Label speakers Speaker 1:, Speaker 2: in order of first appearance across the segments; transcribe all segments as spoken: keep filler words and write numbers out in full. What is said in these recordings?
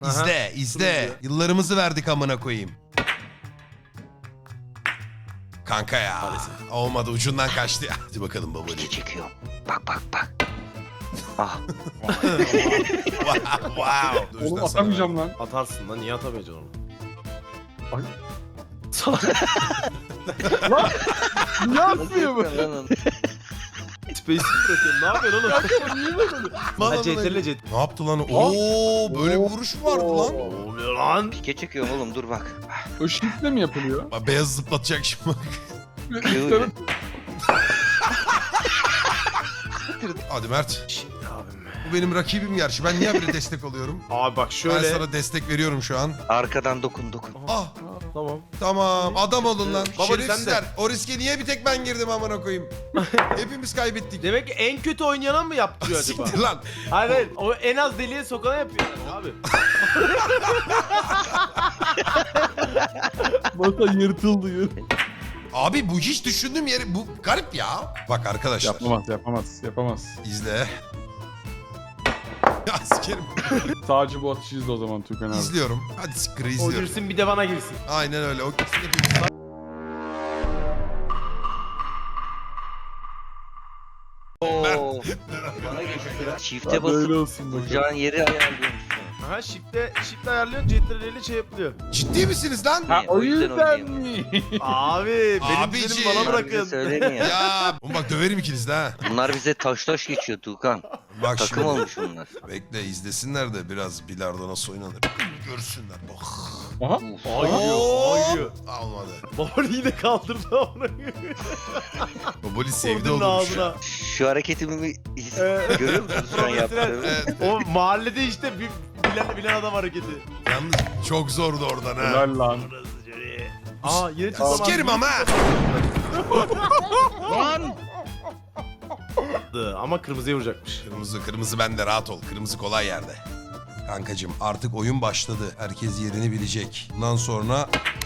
Speaker 1: İzle,
Speaker 2: Aha.
Speaker 1: izle.
Speaker 2: Turuncu.
Speaker 1: Yıllarımızı verdik amına koyayım. Kanka ya.
Speaker 2: Maalesef.
Speaker 1: Olmadı, ucundan kaçtı ya. Hadi bakalım baba.
Speaker 3: Pike çekiyorum. Bak bak bak. Ah.
Speaker 1: Wow. wow. Dur,
Speaker 4: Oğlum
Speaker 1: sana
Speaker 4: atamayacağım lan.
Speaker 2: Atarsın lan, niye atamayacaksın onu?
Speaker 4: Ay.
Speaker 2: Salak.
Speaker 4: Ne yapıyor bu?
Speaker 2: Space'i bırakıyorum. Ne yapıyorsun oğlum?
Speaker 4: Niye böyle?
Speaker 1: Bana
Speaker 2: Ha, C T R L
Speaker 1: bana-
Speaker 2: C T R L.
Speaker 1: Ne yaptı lan? Oo, böyle bir vuruş mu vardı lan?
Speaker 2: Ne oluyor lan?
Speaker 3: Pike çekiyorum oğlum dur bak.
Speaker 4: O shiftle mi yapılıyor?
Speaker 1: Bak, beyaz zıplatacak şimdi bak.
Speaker 3: Yürü.
Speaker 1: Hadi Mert.
Speaker 2: Şimdi abim.
Speaker 1: Bu benim rakibim gerçi. Ben niye böyle destek oluyorum?
Speaker 2: Abi bak şöyle.
Speaker 1: Ben sana destek veriyorum şu an.
Speaker 3: Arkadan dokun dokun.
Speaker 1: Ah,
Speaker 2: Tamam.
Speaker 1: tamam. Adam olun lan.
Speaker 2: Baba,
Speaker 1: Şerefsizler. O riske niye bir tek ben girdim amına koyayım? Hepimiz kaybettik.
Speaker 2: Demek ki en kötü oynayana mı yaptırıyor acaba?
Speaker 1: Siktir lan.
Speaker 2: Hayır hayır. O en az deliye sokana yapıyor yani abi.
Speaker 4: Masa yırtıldı yırt.
Speaker 1: Abi bu hiç düşündüğüm yeri bu garip ya. Bak arkadaşlar.
Speaker 4: Yapamaz yapamaz yapamaz.
Speaker 1: İzle. Ya sikerim.
Speaker 4: Sadece bu atışı izle o zaman Tukan abi.
Speaker 1: İzliyorum. Hadi siktir
Speaker 2: O
Speaker 1: izliyorum.
Speaker 2: girsin bir de bana girsin.
Speaker 1: Aynen öyle. O kesin hepimiz.
Speaker 3: Oo. Bana geçti. Çifte
Speaker 4: Hadi öyle
Speaker 3: basıp
Speaker 4: olsun bakalım.
Speaker 3: vuracağın yeri ayarlıyormuşsun.
Speaker 2: Aha shift'te shift ayarlıyorsun, C T R L'li şey yapılıyor.
Speaker 1: Ciddi misiniz lan?
Speaker 4: Ha o
Speaker 3: O yüzden
Speaker 4: yüzden mi?
Speaker 2: Abi benim
Speaker 1: Abiciğim.
Speaker 2: düzenimi bana
Speaker 3: Bize
Speaker 2: bırakın.
Speaker 3: söyleme ya.
Speaker 1: Ya. Oğlum bak döverim ikiniz de ha.
Speaker 3: Bunlar bize taş taş geçiyor Tuğkan.
Speaker 1: Bak
Speaker 3: Takım
Speaker 1: şimdi.
Speaker 3: olmuş bunlar.
Speaker 1: Bekle izlesinler de biraz bilardo nasıl oynanır. Görsünler. Bak.
Speaker 4: Aha.
Speaker 3: Uf.
Speaker 2: Ağlıyor, ağlıyor.
Speaker 1: Almadı.
Speaker 2: Baboli yine kaldırdı onu.
Speaker 1: Baboli sevdi
Speaker 2: Vurdun
Speaker 1: olmuş.
Speaker 2: ağzına.
Speaker 3: Şu hareketimi his-
Speaker 2: Ee,
Speaker 3: görüyor musun şu an yaptığımı?
Speaker 1: Evet.
Speaker 2: O mahallede işte bir bilen, bilen adam hareketi.
Speaker 1: Yalnız çok zordu oradan ha.
Speaker 4: Helal lan.
Speaker 2: Aa yine
Speaker 1: Ya
Speaker 2: tutamadım.
Speaker 1: sikerim ama.
Speaker 3: Lan!
Speaker 2: Ama kırmızıya vuracakmış.
Speaker 1: Kırmızı kırmızı bende, rahat ol. Kırmızı kolay yerde. Kankacığım artık oyun başladı. Herkes yerini bilecek. Bundan sonra...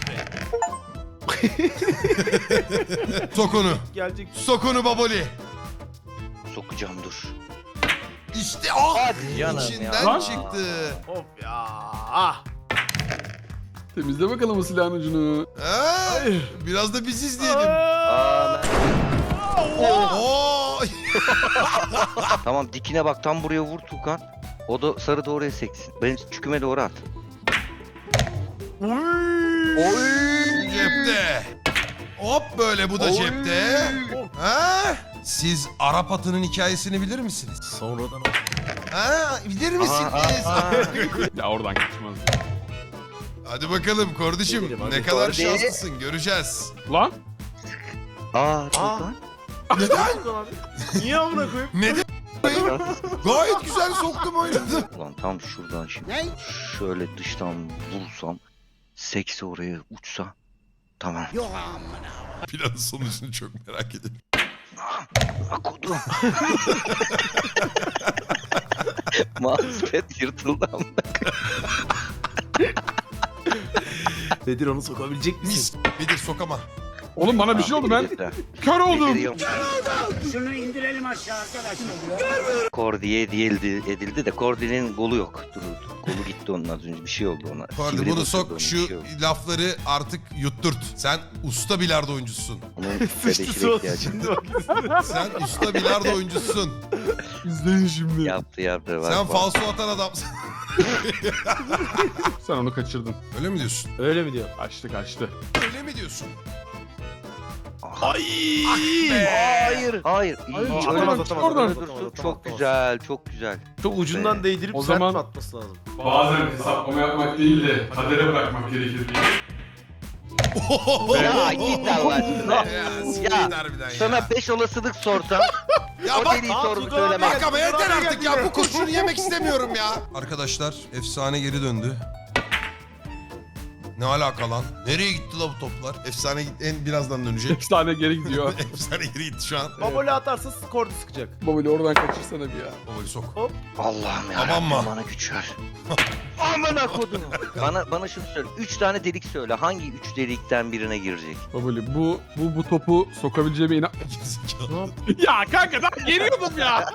Speaker 1: Sok onu.
Speaker 2: Gelecek.
Speaker 1: Sok onu Baboli.
Speaker 3: Sokacağım dur.
Speaker 1: İşte ah!
Speaker 3: Hadi canım
Speaker 1: İçinden
Speaker 4: ya.
Speaker 1: çıktı.
Speaker 2: Of ya. Ah.
Speaker 4: Temizle bakalım o silahın ucunu.
Speaker 1: Ha?
Speaker 2: Hayır.
Speaker 1: Biraz da biz izleyelim.
Speaker 3: Aa, ben-
Speaker 1: Oo!
Speaker 3: Tamam dikine bak tam buraya vur Tuğkan. O da sarı da oraya seksin. Benim çüküme doğru at.
Speaker 1: Cepte. Hop böyle bu da cepte. Ha? Siz Arap atının hikayesini bilir misiniz?
Speaker 2: Sonradan
Speaker 1: Ha? Bilir misiniz?
Speaker 3: Aa, aa, aa.
Speaker 4: Ya oradan kaçmaz.
Speaker 1: Hadi bakalım kardeşim.
Speaker 2: Gidelim, hadi.
Speaker 1: Ne kadar
Speaker 3: Kordi.
Speaker 1: şanslısın göreceğiz.
Speaker 4: Lan.
Speaker 3: Aa Tuğkan.
Speaker 1: Neden?
Speaker 2: Niye amına koyayım?
Speaker 1: Neden? Gayet güzel soktum oynadım.
Speaker 3: Ulan tam şuradan şimdi. Şöyle dıştan vursam. Seksi oraya uçsa. Tamam.
Speaker 1: Planın sonucunu çok merak ediyorum.
Speaker 3: Akudum. Mousepad yırtıldı ama.
Speaker 2: Bedir onu sokabilecek misin?
Speaker 1: Mis. Bedir sokama.
Speaker 4: Oğlum bana bir şey oldu ben. Kör oldum.
Speaker 5: Şunu indirelim aşağı arkadaşlar.
Speaker 3: Kordiye edildi, edildi de Kordi'nin golü yok. Dur, kolu gitti onun az önce bir şey oldu ona.
Speaker 1: Kordi
Speaker 3: Sivri
Speaker 1: bunu
Speaker 3: basıldı
Speaker 1: sok
Speaker 3: onun,
Speaker 1: şu
Speaker 3: bir şey oldu.
Speaker 1: lafları artık yutturt. Sen usta bilardo oyuncusun.
Speaker 3: Onun
Speaker 2: Sıçtı
Speaker 3: bedeşine
Speaker 2: su
Speaker 3: ihtiyacı
Speaker 2: şimdi bak.
Speaker 1: Sen usta bilardo oyuncusun.
Speaker 4: İzleyin şimdi.
Speaker 3: yaptı yaptı. Bak,
Speaker 1: Sen
Speaker 3: bak.
Speaker 1: falso atan adamsın.
Speaker 4: Sen onu kaçırdın.
Speaker 1: Öyle mi diyorsun?
Speaker 2: Öyle mi diyor?
Speaker 4: Kaçtı kaçtı.
Speaker 1: Öyle mi diyorsun?
Speaker 2: Ay.
Speaker 3: Hayır. Hayır. İyi,
Speaker 4: Hayır,
Speaker 3: iyi.
Speaker 4: çık
Speaker 3: Öyle
Speaker 4: oradan,
Speaker 3: dursun,
Speaker 4: çık oradan.
Speaker 3: öyle dursun. Çok güzel, çok güzel.
Speaker 2: Çok ucundan değdirip
Speaker 4: O
Speaker 2: sert
Speaker 4: zaman-
Speaker 2: mi atması lazım?
Speaker 4: Bazen hesaplama yapmak değil de kadere bırakmak gerekir diye.
Speaker 3: Ya git Allah aşkına.
Speaker 1: Ya sikeyim harbiden ya.
Speaker 3: Sana beş olasılık sorsam
Speaker 1: Ya
Speaker 3: o
Speaker 1: bak,
Speaker 3: deliği
Speaker 2: Aa,
Speaker 3: sorumu
Speaker 2: Tuğkan abi
Speaker 3: söylemem.
Speaker 1: bak ama yeter
Speaker 2: Tuğkan abi
Speaker 1: artık ya.
Speaker 2: geldi.
Speaker 1: Bu kurşunu yemek istemiyorum ya. Arkadaşlar efsane geri döndü. Ne alaka lan? Nereye gitti la bu toplar? Efsane git en birazdan dönecek.
Speaker 6: Efsane geri gidiyor.
Speaker 1: Efsane geri gitti şu an.
Speaker 2: Baboli atarsa skordu sıkacak.
Speaker 6: Babali oradan kaçırsana bir ya.
Speaker 1: Baboli sok.
Speaker 3: Allah'ım ya.
Speaker 1: Aman mı?
Speaker 3: Bana güç ver. Amına kodum. Bana bana şunu söyle. Üç tane delik söyle. Hangi üç delikten birine girecek?
Speaker 6: Babali bu bu bu topu sokabileceğime inan...
Speaker 1: Gerizekalı.
Speaker 6: Ya kanka ben geliyordum ya.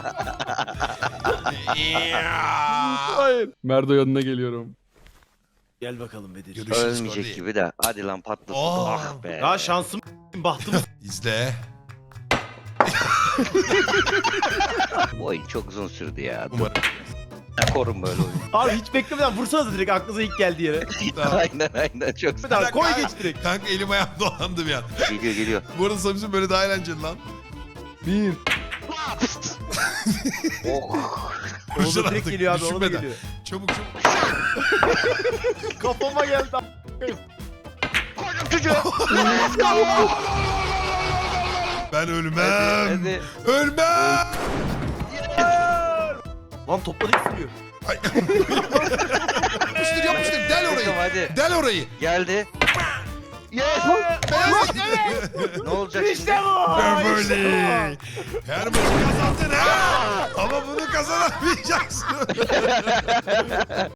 Speaker 6: Hayır. Merdo yanına geliyorum.
Speaker 2: Gel bakalım Bedir.
Speaker 1: Görüşürüz Cody.
Speaker 3: Ölmeyecek gibi de. Hadi lan patlasın.
Speaker 1: Aa.
Speaker 3: Ah be.
Speaker 2: Ya şansım bahtım.
Speaker 1: İzle.
Speaker 3: Bu oyun çok uzun sürdü ya.
Speaker 1: Umarım.
Speaker 3: Korun böyle oyunu.
Speaker 2: Abi hiç beklemeden vursanız direkt aklınıza ilk geldiği yere.
Speaker 1: Tamam.
Speaker 3: aynen aynen çok
Speaker 2: Bir daha koy
Speaker 1: Kanka,
Speaker 2: geç direkt.
Speaker 1: Kanka elim ayağım dolandı bir an.
Speaker 3: geliyor geliyor.
Speaker 1: Bu arada Samsun böyle daha eğlenceli lan.
Speaker 6: Bir.
Speaker 3: Oh.
Speaker 2: Onu
Speaker 1: Koşun
Speaker 2: da direkt
Speaker 1: artık,
Speaker 2: geliyor abi, onu da
Speaker 1: düşünmeden.
Speaker 2: geliyor.
Speaker 1: Çabuk çabuk.
Speaker 2: Kafama geldi.
Speaker 3: Koydum çocuğu.
Speaker 1: Ben ölmem.
Speaker 3: Hadi.
Speaker 1: Ölmem.
Speaker 2: Lan topla da sürüyor.
Speaker 1: Ay. yapıştır yapıştır. Del
Speaker 3: Tamam,
Speaker 1: orayı.
Speaker 3: hadi.
Speaker 1: Del orayı.
Speaker 3: Geldi. Yes. Ne olacak şimdi?
Speaker 2: İşte bu.
Speaker 1: Böyle. Her maçı kazandın ha. Ama bunu kazanamayacaksın.